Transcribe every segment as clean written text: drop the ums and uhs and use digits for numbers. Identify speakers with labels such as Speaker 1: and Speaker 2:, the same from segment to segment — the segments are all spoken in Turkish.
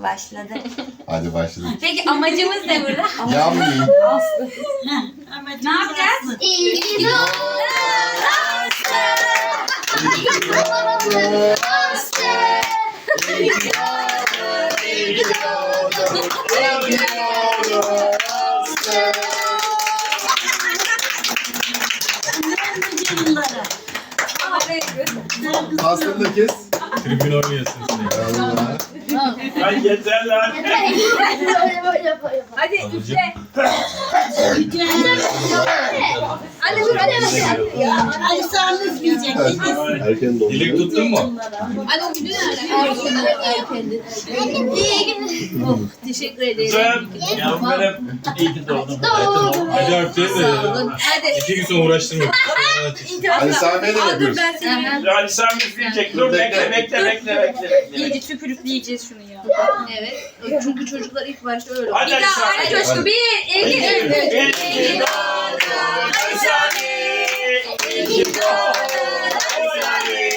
Speaker 1: Başladı.
Speaker 2: Hadi başlayalım.
Speaker 1: Peki amacımız ne burada?
Speaker 2: Yanmayayım.
Speaker 1: Ne yapacağız?
Speaker 2: İyi ki doğdun Aslı. İyi ki doğdun Aslı. İyi ki doğdun, iyi ki doğdun. İyi ki doğdun Aslı. Aslı'nı da kes.
Speaker 3: Tribün oynuyorsun sen.
Speaker 2: Allah.
Speaker 4: Ay yeter lan.
Speaker 1: Hadi üfle.
Speaker 5: Ali Sami üfleyecek.
Speaker 2: Erken doğdun.
Speaker 3: Dilek tuttun mu?
Speaker 1: Teşekkür ederim.
Speaker 4: Kızım. Yavrum benim. İyi ki doğdun.
Speaker 3: Hadi öptü.
Speaker 1: Hadi.
Speaker 3: 2 gün sonra uğraştırma.
Speaker 2: Ali Sami'ye de mi yapıyoruz?
Speaker 1: Ben seni.
Speaker 4: Ali Sami üfleyecek. Dur bekle.
Speaker 6: İyice tükürükleyeceğiz şunu ya.
Speaker 1: Evet. Çünkü çocuklar ilk başta öyle.
Speaker 4: Hadi
Speaker 1: Bir
Speaker 4: Ali
Speaker 1: daha aynı
Speaker 4: Sami.
Speaker 1: coşku. 1, 2, 3.
Speaker 4: İyi ki doğdun Ali Sami. İyi ki doğdun Ali Sami.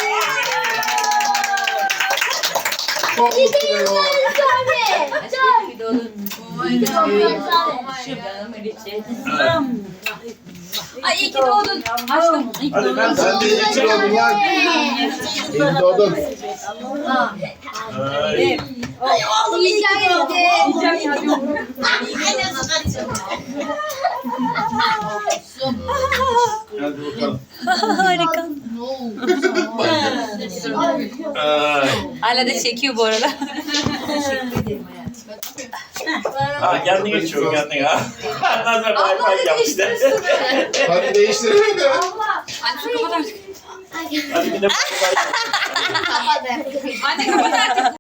Speaker 2: Çok mutluyum.
Speaker 1: Ay iyi ki doğdun. Aşkım.
Speaker 4: Hadi ben
Speaker 2: Sen de iyi ki doğdun lan. İyi ki doğdun.
Speaker 4: Ay. Hadi bakalım.
Speaker 6: Harika.
Speaker 4: Ay.
Speaker 6: Hala da çekiyor bu arada.
Speaker 4: Ha kendin geçiyor kendin ha. Nazar bay bay yap işte.
Speaker 2: Hadi değiştirelim de.
Speaker 4: Hadi bir de bay bay yap.
Speaker 1: Hadi kapat artık.